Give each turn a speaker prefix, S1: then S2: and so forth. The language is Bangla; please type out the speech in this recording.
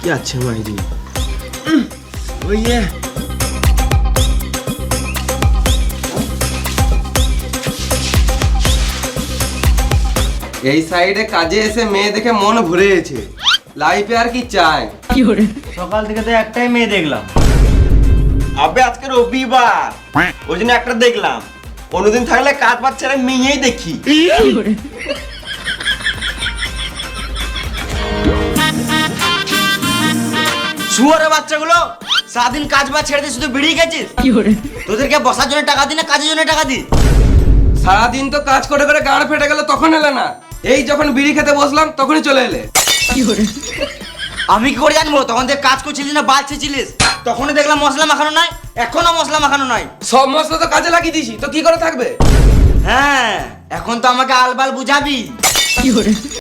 S1: কি আছে মাইরি ওই এই সাইডে কাজে এসে মেয়ে দেখে মন ভরে গেছে। লাইফে আর কি চাই?
S2: সকাল থেকে তো একটাই মেয়ে দেখলাম।
S1: আবে আজকে রবিবার, ওই জন্য একটা দেখলাম। অন্যদিন থাকলে কাজ বাজ ছেড়ে মেয়েই দেখি।
S2: শুয়ারের বাচ্চাগুলো সারাদিন কাজ বাজ ছেড়ে দিয়ে শুধু বেরিয়ে গেছিস। তোদেরকে বসার জন্য টাকা দি না কাজের জন্য টাকা দি?
S1: সারাদিন তো কাজ করে করে গাড় ফেটে গেল, তখন এলে না। এই যখন বিড়ি খেতে বসলাম তখনই চলে এলে।
S2: আমি কি করে জানবো তখন থেকে কাজ করছিলিস না বাল ছেছিলিস? তখনই দেখলাম মশলা মাখানো নাই, এখনো মশলা মাখানো নাই।
S1: সব মশলা তো কাজে লাগিয়ে দিছি, তো কি করে থাকবে?
S2: হ্যাঁ, এখন তো আমাকে আলবাল বুঝাবি।